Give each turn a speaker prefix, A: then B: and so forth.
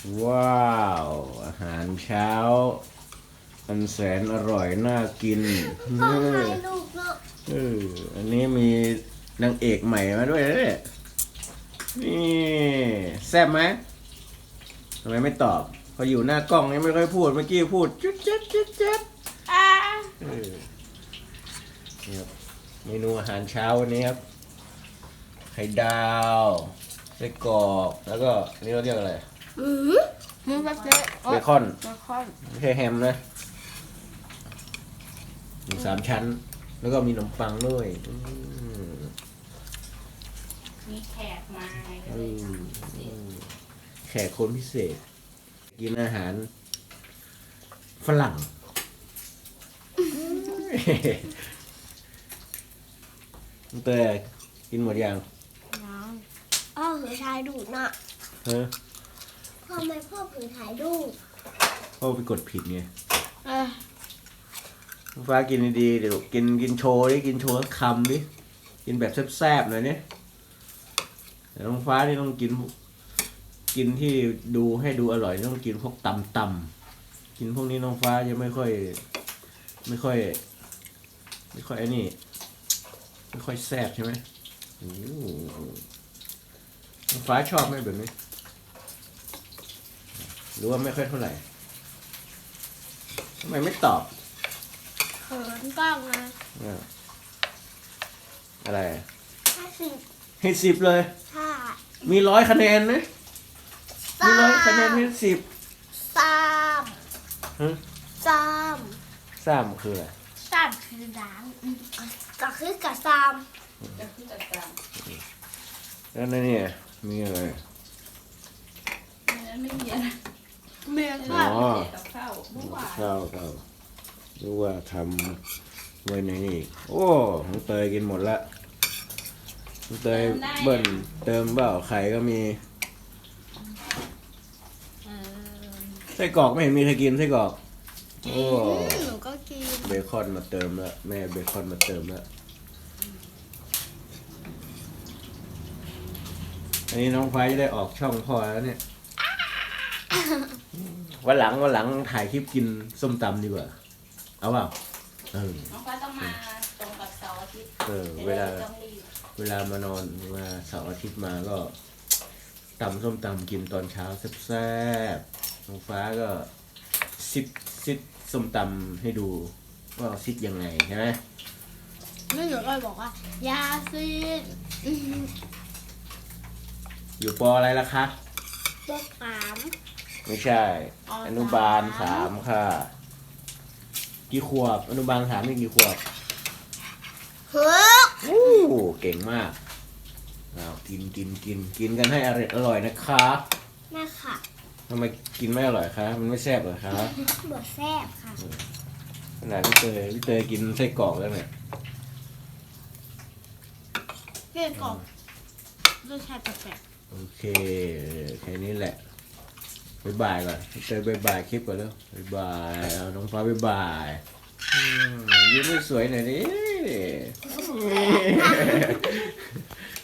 A: ว้าวอาหารเช้าอันแสนอร่อยน่ากิน
B: พ่อถ่ายรูปเนาะ
A: อันนี้มีนางเอกใหม่มาด้วยนะเนี่ยนี่แซ่บไหมทำไมไม่ตอบพออยู่หน้ากล้องนี่ไม่ค่อยพูดเมื่อกี้พูดจุ๊ดจ๊ดจุ๊ดจ๊ดนี่ครับเมนูอาหารเช้าวันนี้ครับไข่ดาวไส้กรอกแล้วก็นี่เราเรียกอะไร
B: มันแบบเละ
A: เบคอน
B: เบคอน
A: ไม่ใช่แฮมนะหมู3 ชั้น แล้วก็มีขนมปังด้วย
C: มีแขกมาไงก็
A: อื
C: เลย
A: มแขกคนพิเศษ กินอาหารฝรั่งเตยกินหมดยัง
B: น้ำพ่อผือถ่ายรูปเนาะ
A: เฮ้ย
B: ทำไมพ่อผือถ่ายรูป
A: พ่อไปกดผิดไงฟ้ากินดีๆเดี๋ยวกินโชว์ดิกินโชว์สักคำดิกินแบบแซ่บๆหน่อยเนี่ยแต่น้องฟ้านี่ต้องกินที่ดูให้ดูอร่อยต้องกินพวกตำกินพวกนี้น้องฟ้าจะไม่ค่อยไอ้นี่ไม่ค่อยแซ่บใช่ไหมน้องฟ้าชอบไหมแบบนี้หรือว่าไม่ค่อยเท่าไหร่ทำไมไม่ตอบ
B: เขินกล้องนะ
A: อะไร
B: 50
A: ให้10เลย
B: ค่ะ
A: มี100 คะแนนนะมี100 คะแนนให้10
B: สาม
A: ฮะ
B: สาม
A: 3คืออะไร
B: สามคือล้างก็คือกับสาม
C: จะขึ้นจัดการ
A: แล้วนั่นเนี่ยมีอะไร
C: ในนั้นไม่มีอะไร
B: เมีย
A: อ๋
B: ค่ะ
A: อ
C: กับข้าวเมื่อวาน
A: ข้าวรู้ว่าทำไว้ในนี่อีกโอ้น้องเตยกินหมดละน้องเตยเบิ้ลเติมเปล่าไข่ก็มีไส้กรอกไม่เห็นมีใครกินไส้กรอกโอ้
B: หนูก็กิน
A: เบคอนมาเติมแล้วแม่เบคอนมาเติมแล้วอันนี้น้องฟ้าจะได้ออกช่องพ่อแล้วเนี่ยวันหลังถ่ายคลิปกินส้มตำดีกว่าเอาเปล่า
C: น้องฟ้าต้องมาตรงกับเสาร์อาทิตย์
A: เวลา
C: ต้องรีบ
A: เวลามานอนมาเสาร์อาทิตย์มาก็ตำส้มตำกินตอนเช้าแซ่บๆน้องฟ้าก็ซิดส้มตำให้ดูว่าซิดยังไงใช่ไหม
B: แม่หนูก็บอกว่ายาซีน
A: อยู่ปออะไรล่ะคะ
B: บวกสาม
A: ไม่ใช่ อนุบาล3ค่ะ กี่ขวบอนุบาล3นี่กี่ขวบ
B: เฮ้ย
A: อู้เก่งมากเอากินกันให้อร่อยนะคะ
B: แม่ค่ะ
A: ทำไมกินไม่อร่อยคะมันไม่แซ่บเหรอคะ
B: บวกแซ่บค่ะ
A: ขนาดพี่เตยกินไส้กรอกแล้วเนี่ย
B: เพื่อนกล่องรสชาติแปลก
A: โอเคแค่นี้แหละบ๊ายบายก่อนพี่เตยบ๊ายบายคลิปก่อนแล้วบ๊ายบายเอาน้องฟ้าบ๊ายบายยิ้มไม่สวยหน่อยดิ